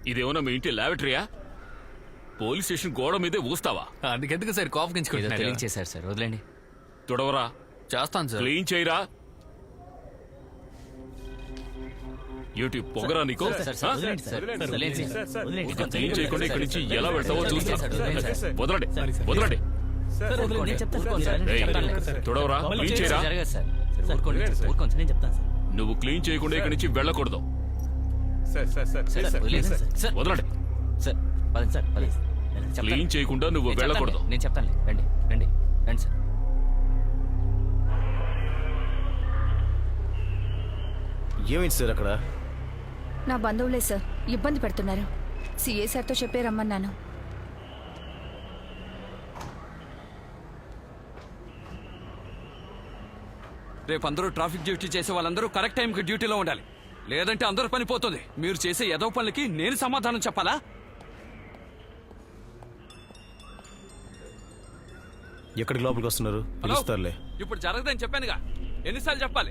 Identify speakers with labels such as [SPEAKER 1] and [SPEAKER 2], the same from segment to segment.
[SPEAKER 1] ఇదేమన్నా మీ ఇంటి లాబరేటరీయా? Police station గోడ మీదే ఊస్తావా?
[SPEAKER 2] అందుకెందుకు సార్ కాఫ్
[SPEAKER 3] క్లీన్ చేశారు సార్, వదిలేండి.
[SPEAKER 1] తుడవరా.
[SPEAKER 2] చేస్తాను సార్.
[SPEAKER 1] క్లీన్ చేయరా. ఏమిటి పొగరా నీకు? క్లీన్ చేయకుండా ఇక్కడి నుంచి ఎలా వెళ్తావో చూస్తా. వదలండి వదలండి. తుడవరా, క్లీన్ చేయరా. నువ్వు క్లీన్ చేయకుండా ఇక్కడి నుంచి వెళ్ళకూడదు. వదలండి. క్లీన్ చేయకుండా నువ్వు వెళ్ళకూడదు.
[SPEAKER 3] నేను చెప్తాను. రండి రండి రండి సార్.
[SPEAKER 4] ఏమైంది సార్ అక్కడ?
[SPEAKER 5] నా బంధువులే సార్, ఇబ్బంది పెడుతున్నారు. సిఏ సార్తో చెప్పే రమ్మన్నాను.
[SPEAKER 2] రేపు అందరూ ట్రాఫిక్ డ్యూటీ చేసే వాళ్ళందరూ కరెక్ట్ టైంకి డ్యూటీలో ఉండాలి, లేదంటే అందరూ పని పోతుంది. మీరు చేసే ఏదో పనులకి నేను సమాధానం చెప్పాలా?
[SPEAKER 4] ఎక్కడికి లోపలికి వస్తున్నారు? పిలుస్తారులే.
[SPEAKER 2] ఇప్పుడు జరగదని చెప్పానుగా, ఎన్నిసార్లు చెప్పాలి?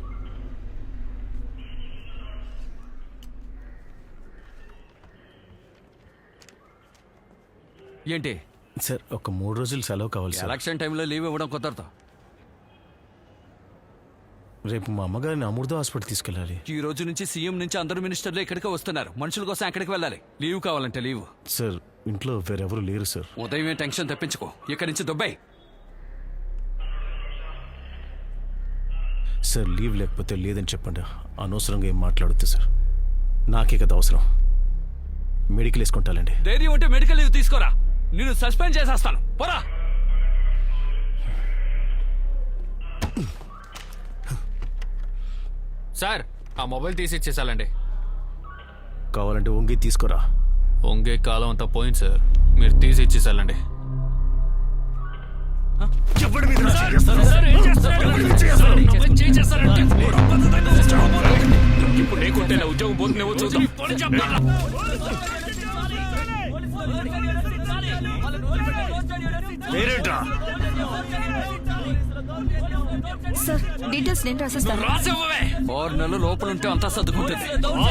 [SPEAKER 2] ఏంటి
[SPEAKER 4] సార్, ఒక 3 రోజులు సెలవు కావాలి సార్.
[SPEAKER 2] ఎలక్షన్ టైంలో లీవ్ ఇవ్వడం కుదరదు.
[SPEAKER 4] రేపు మా అమ్మగారిని అమృత హాస్పిటల్ తీసుకెళ్ళాలి.
[SPEAKER 2] ఈ రోజు నుంచి సీఎం నుంచి అందరు మినిస్టర్లు ఇక్కడికే వస్తున్నారు. మనుషుల కోసం ఎక్కడికి వెళ్ళాలి. లీవ్ కావాలంటే లీవ్.
[SPEAKER 4] సార్, ఇంట్లో వేరెవరు లేరు సార్.
[SPEAKER 2] ఉదయమే టెన్షన్ తెప్పించుకో, ఇక్కడి నుంచి దుబాయ్.
[SPEAKER 4] సార్, లీవ్ లేకపోతే లేదని చెప్పండి. అనవసరంగా ఏం మాట్లాడొద్దు సార్. నాకే కదా అవసరం. మెడికల్ వేసుకుంటానండి.
[SPEAKER 2] ధైర్యం ఉంటే మెడికల్ లీవ్ తీసుకోరా, నేను సస్పెండ్ చేసేస్తాను. పోరా.
[SPEAKER 6] సార్, ఆ మొబైల్ తీసి ఇచ్చేసాలండి.
[SPEAKER 4] కావాలంటే వంగి తీసుకోరా.
[SPEAKER 6] వంగే కాలం అంతా పోయింది సార్, మీరు తీసి ఇచ్చేసాలండి.
[SPEAKER 1] ఇప్పుడు లేకుంటే నా ఉద్యోగం పోతుందేమో చూద్దాం.
[SPEAKER 5] సార్, డీటెయిల్స్ నేను రాసిస్తాను.
[SPEAKER 2] 6 నెలలు లోపల ఉంటే అంతా సర్దుకుంటుంది.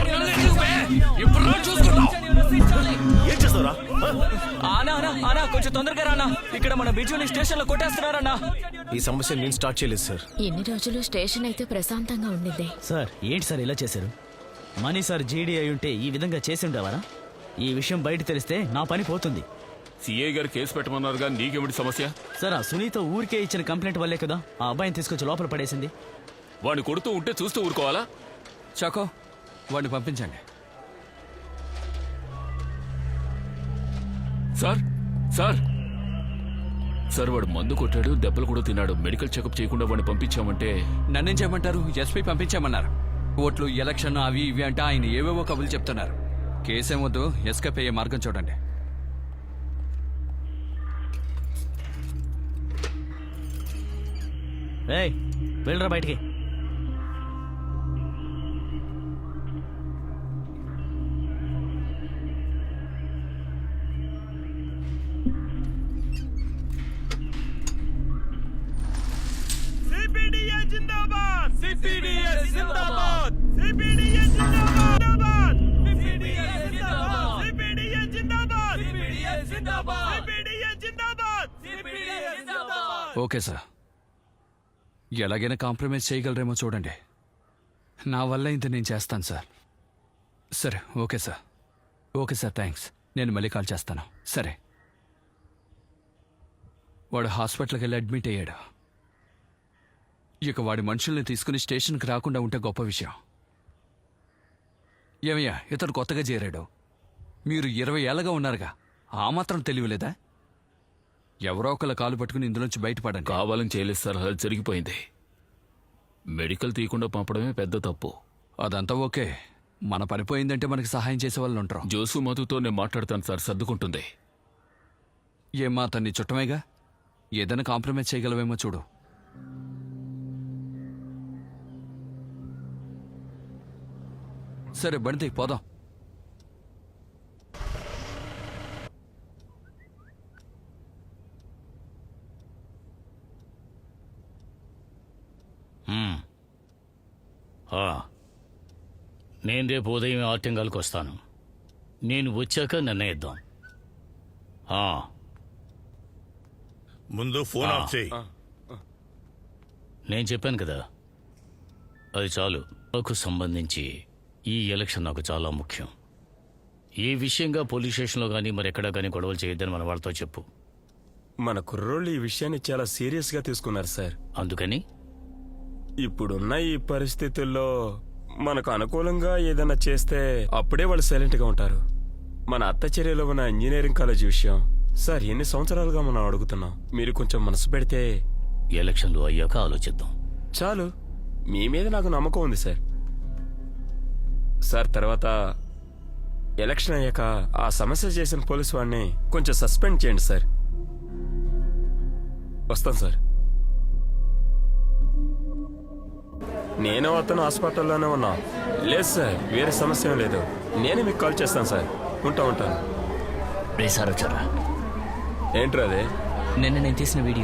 [SPEAKER 4] ఏం చేస్తారా?
[SPEAKER 3] ఆనా కొంచెం తొందరగా రానా, ఇక్కడ మన బిజుని స్టేషన్ లో కొట్టేస్తున్నారన్నా.
[SPEAKER 4] ఈ సమస్య నేను స్టార్ట్ చేయలేదు సార్.
[SPEAKER 7] ఎన్ని రోజులు స్టేషన్ అయితే ప్రశాంతంగా ఉండింది.
[SPEAKER 3] సార్, ఏంటి సార్ ఇలా చేశారు? మనీ సార్ జీడీ అయి ఉంటే ఈ విధంగా చేసి ఉండేవారా? ఈ విషయం బయట తెలిస్తే నా పని పోతుంది.
[SPEAKER 1] సిఐ గారు కేసు పెట్టమన్నారుగా, నీకేమిటి సమస్య?
[SPEAKER 3] సార్, ఆ సునీత ఊరికే ఇచ్చిన కంప్లైంట్ వల్లే కదా ఆ అబ్బాయిని తీసుకొచ్చి లోపల పడేసింది.
[SPEAKER 1] వాడిని కొడుతూ ఉంటే చూస్తూ ఊరుకోవాలా?
[SPEAKER 2] చాకో, వాడిని పంపించండి.
[SPEAKER 1] సార్ సార్ సార్, వాడు మందు కొట్టాడు, దెబ్బలు కూడా తిన్నాడు. మెడికల్ చెకప్ చేయకుండా వాడిని పంపించామంటే
[SPEAKER 2] నన్నేం చేయమంటారు? ఎస్పీ పంపించామన్నారు. ఓట్లు, ఎలక్షన్ అవి ఇవి అంటే ఆయన ఏవేవో కబులు చెప్తున్నారు. కేసేమొద్దు, ఎస్కేప్ అయ్యే మార్గం చూడండి.
[SPEAKER 3] ఏయ్, వెళ్ళరా బయటికి.
[SPEAKER 2] ఓకే సార్, ఎలాగైనా కాంప్రమైజ్ చేయగలరేమో చూడండి. నా వల్ల ఇంత నేను చేస్తాను సార్. సరే, okay sir. Okay sir, thanks. నేను మళ్ళీ కాల్ చేస్తాను. సరే. వాడు హాస్పిటల్కి వెళ్ళి అడ్మిట్ అయ్యాడు. ఇక వాడి మనుషుల్ని తీసుకుని స్టేషన్కి రాకుండా ఉంటే గొప్ప విషయం. ఏమయ్యా, ఇతడు కొత్తగా చేరాడు. మీరు 20 ఏళ్ళగా ఉన్నారుగా, ఆ మాత్రం తెలియలేదా? ఎవరో ఒకళ్ళ కాలు పట్టుకుని ఇందులోంచి బయటపడండి.
[SPEAKER 1] కావాలని చేయలేదు సార్, అది జరిగిపోయింది. మెడికల్ తీయకుండా పంపడమే పెద్ద తప్పు.
[SPEAKER 2] అదంతా ఓకే, మన పనిపోయిందంటే మనకి సహాయం చేసే వాళ్ళు ఉంటారు.
[SPEAKER 1] జోసు మధుతో నేను మాట్లాడతాను సార్, సర్దుకుంటుంది.
[SPEAKER 2] ఏమ్మా, అతన్ని చుట్టమేగా, ఏదైనా కాంప్రమైజ్ చేయగలవేమో చూడు. సరే, బండి పోదాం.
[SPEAKER 8] నేను రేపు ఉదయం ఆర్టింగాల్కి వస్తాను. నేను వచ్చాక నిర్ణయిద్దాం. ఆ,
[SPEAKER 9] ముందు ఫోన్ ఆఫ్ చేయి.
[SPEAKER 8] నేను చెప్పాను కదా, అది చాలు. నాకు సంబంధించి ఈ ఎలక్షన్ నాకు చాలా ముఖ్యం. ఈ విషయంగా పోలీస్ స్టేషన్లో కానీ మరెక్కడా కానీ గొడవలు చేయొద్దని మన వాళ్ళతో చెప్పు.
[SPEAKER 10] మన కుర్రోళ్ళు ఈ విషయాన్ని చాలా సీరియస్గా తీసుకున్నారు సార్.
[SPEAKER 8] అందుకని
[SPEAKER 10] ఇప్పుడున్న ఈ పరిస్థితుల్లో మనకు అనుకూలంగా ఏదైనా చేస్తే అప్పుడే వాళ్ళు సైలెంట్గా ఉంటారు. మన అత్తచర్యలో ఉన్న ఇంజనీరింగ్ కాలేజ్ విషయం సార్ ఎన్ని సంవత్సరాలుగా మనం అడుగుతున్నాం. మీరు కొంచెం మనసు పెడితే
[SPEAKER 8] ఎలక్షన్లు అయ్యాక ఆలోచిద్దాం.
[SPEAKER 10] చాలు. మీ మీద నాకు నమ్మకం ఉంది సార్. సార్ తర్వాత ఎలక్షన్ అయ్యాక ఆ సమస్య చేసిన పోలీసు వాడిని కొంచెం సస్పెండ్ చేయండి సార్. వస్తాను సార్. నేను అతను హాస్పిటల్లోనే ఉన్నా. లేదు సార్, వేరే సమస్య ఏం లేదు. నేనే మీకు కాల్ చేస్తాను సార్. ఉంటాను.
[SPEAKER 3] రే సార్ వచ్చారా?
[SPEAKER 10] ఏంట్రా అదే?
[SPEAKER 3] నిన్న నేను తీసిన వీడియో.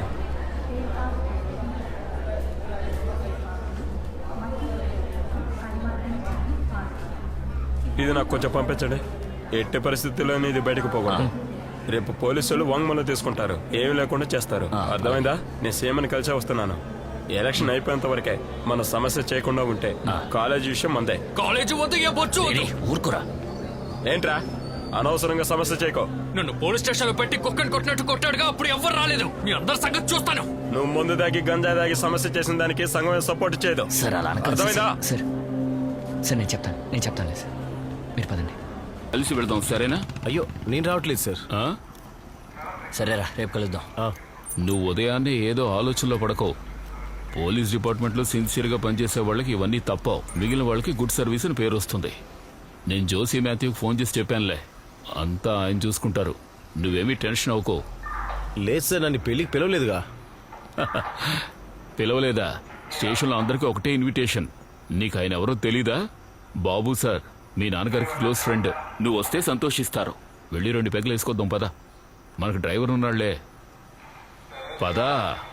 [SPEAKER 10] ఇది నాకు కొంచెం పంపించండి. ఎట్టి పరిస్థితుల్లోనే ఇది బయటకు పోకూడదు. రేపు పోలీసులు వాంగ్మూలం తీసుకుంటారు. ఏమీ లేకుండా చేస్తారు. అర్థమైందా? నేను సీఎంని కలిసే వస్తున్నాను. ఎలక్షన్ అయిపోయేంత వరకే మన సమస్య చేయకుండా ఉంటే కాలేజీ విషయం మందే.
[SPEAKER 1] కాలేజీ వద్ద ఏ బొచ్చు వద్దు.
[SPEAKER 3] ఊరుకురా.
[SPEAKER 10] ఏంట్రా అనవసరంగా సమస్య చేయకో.
[SPEAKER 1] నన్ను పోలీస్ స్టేషన్ లో పెట్టి కుక్కని కొట్టినట్టు కొట్టాడుగా, అప్పుడు ఎవ్వరు రాలేదు. మీ అందరి సంగతి చూస్తాను.
[SPEAKER 10] నువ్వు ముందు దాగి గంజా దాగి సమస్య చేసిన దానికి సంఘం సపోర్ట్ చేయదు.
[SPEAKER 3] సార్ అలా అనకండి
[SPEAKER 10] అర్థమైందా?
[SPEAKER 3] సార్. సార్ నేను చెప్తాను సార్. మీరు పదండి.
[SPEAKER 1] కలిసి వెళ్దాం, సరేనా?
[SPEAKER 4] అయ్యో నేను రావట్లేదు సార్.
[SPEAKER 1] ఆ?
[SPEAKER 3] సరేరా, రేపు కలుద్దాం.
[SPEAKER 1] నువ్వు ఉదయాన్నే ఏదో ఆలోచనలో పడకో. పోలీస్ డిపార్ట్మెంట్లో సిన్సియర్గా పనిచేసే వాళ్ళకి ఇవన్నీ తప్పవు. మిగిలిన వాళ్ళకి గుడ్ సర్వీస్ అని పేరు వస్తుంది. నేను జోసీ మాథ్యూకి ఫోన్ చేసి చెప్పానులే, అంతా ఆయన చూసుకుంటారు. నువ్వేమీ టెన్షన్ అవ్వకో.
[SPEAKER 4] లేదు సార్, నన్ను పెళ్ళికి పిలవలేదుగా.
[SPEAKER 1] పిలవలేదా? స్టేషన్లో అందరికీ ఒకటే ఇన్విటేషన్. నీకు ఆయన ఎవరో తెలీదా? బాబు సార్, మీ నాన్నగారికి క్లోజ్ ఫ్రెండ్. నువ్వు వస్తే సంతోషిస్తారు. వెళ్ళి 2 పెగ్గలు వేసుకొద్దాం పదా. మనకు డ్రైవర్ ఉన్నాళ్లే, పదా.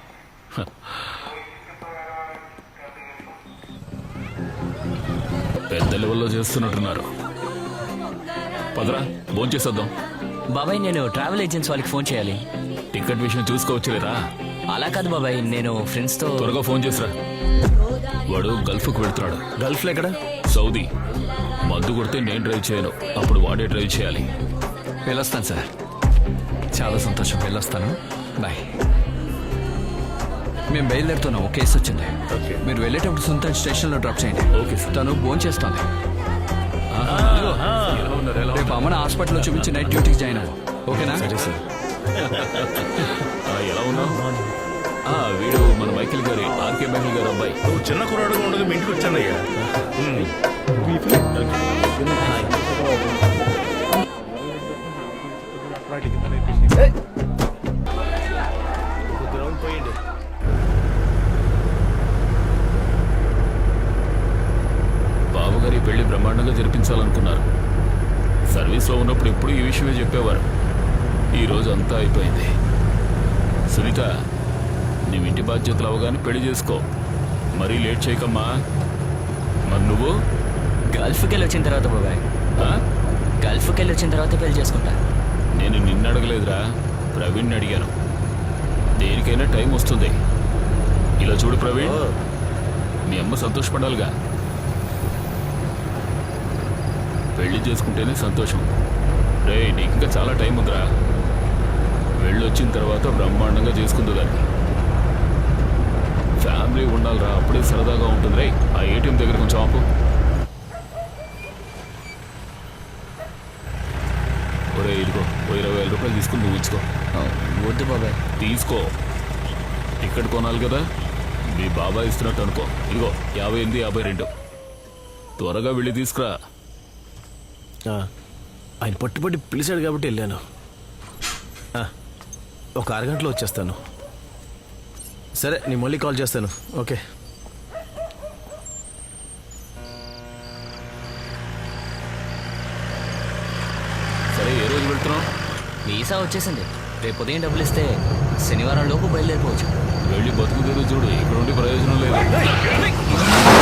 [SPEAKER 1] పెద్ద లెవెల్లో చేస్తున్నట్టున్నారు. పదరా, భోంచేసేద్దాం.
[SPEAKER 3] బాబాయ్, నేను ట్రావెల్ ఏజెన్సీ వాళ్ళకి ఫోన్ చేయాలి.
[SPEAKER 1] టికెట్ విషయం చూసుకోవచ్చులేరా?
[SPEAKER 3] అలా కాదు బాబాయ్, నేను ఫ్రెండ్స్తో.
[SPEAKER 1] త్వరగా ఫోన్ చేసిరా. వాడు గల్ఫ్కు వెళ్తున్నాడు.
[SPEAKER 4] గల్ఫ్లో ఎక్కడ?
[SPEAKER 1] సౌదీ. మందు కొడితే నేను డ్రైవ్ చేయను, అప్పుడు వాడే డ్రైవ్ చేయాలి.
[SPEAKER 2] వెళ్ళొస్తాను సార్. చాలా సంతోషం. వెళ్ళొస్తాను. బాయ్. మేము బయలుదేరుతున్నాం. ఒక కేసు వచ్చింది. మీరు వెళ్ళేటప్పుడు సుల్తాన్ స్టేషన్లో డ్రాప్ చేయండి.
[SPEAKER 1] Okay sir.
[SPEAKER 2] తను ఫోన్ చేస్తాను. రేపు అమ్మని హాస్పిటల్లో చూపించి నైట్ డ్యూటీకి జాయిన్ అవ్వు. ఓకేనా?
[SPEAKER 4] సరే సార్.
[SPEAKER 1] ఎలా ఉన్నావు? వీడు మన మైకిల్ గారి, ఆర్కే మైకిల్ గారి అబ్బాయి.
[SPEAKER 9] నువ్వు చిన్న కుర్రాడుగా ఉండగా మీ ఇంటికి వచ్చానయ్యా.
[SPEAKER 4] గ్రౌండ్ పోయండి.
[SPEAKER 1] బాబుగారి పెళ్లి బ్రహ్మాండంగా జరిపించాలనుకున్నారు. సర్వీస్లో ఉన్నప్పుడు ఎప్పుడు ఈ విషయమే చెప్పేవారు. ఈరోజు అంతా అయిపోయింది. సునీత, నీవు ఇంటి బాధ్యతలు అవగానే పెళ్లి చేసుకో. మరీ లేట్ చేయకమ్మా. మరి నువ్వు?
[SPEAKER 3] గల్ఫ్కి వెళ్ళి వచ్చిన తర్వాత బాబాయ్. గల్ఫ్కి వెళ్ళి వచ్చిన తర్వాత పెళ్లి చేసుకుంటా.
[SPEAKER 1] నేను నిన్ను అడగలేదురా, ప్రవీణ్ని అడిగాను. దేనికైనా టైం వస్తుంది. ఇలా చూడు ప్రవీణ్, మీ అమ్మ సంతోషపడాలిగా. పెళ్లి చేసుకుంటేనే సంతోషం. రే, నీకు ఇంకా చాలా టైం ఉందిరా. వెళ్ళొచ్చిన తర్వాత బ్రహ్మాండంగా చేసుకుంది దాన్ని. ఫ్యామిలీ ఉండాలిరా, అప్పుడే సరదాగా ఉంటుంది. రే, ఆ ఏటీఎం దగ్గర కొంచెం ఆపు. ఒరే, ఇదిగో 20,000 రూపాయలు తీసుకుని నువ్వు ఉంచుకో.
[SPEAKER 3] వద్దు బాబాయ్.
[SPEAKER 1] తీసుకో. టికెట్ కొనాలి కదా, మీ బాబాయ్ ఇస్తున్నట్టు అనుకో. ఇదిగో 58, 52. త్వరగా వెళ్ళి తీసుకురా.
[SPEAKER 4] ఆయన పట్టుబట్టి పిలిచాడు కాబట్టి వెళ్ళాను. ఒక అరగంటలో వచ్చేస్తాను. సరే, నేను మళ్ళీ కాల్ చేస్తాను. ఓకే.
[SPEAKER 1] సరే, ఏ రోజు వెళ్తున్నావు?
[SPEAKER 3] వీసా వచ్చేసింది. రేపు ఉదయం డబ్బులు ఇస్తే శనివారం లోపు బయలుదేరిపోవచ్చు.
[SPEAKER 1] వెళ్ళి బతుకు తెరువు చూడు. ఇక్కడ ఉండి ప్రయోజనం లేదు.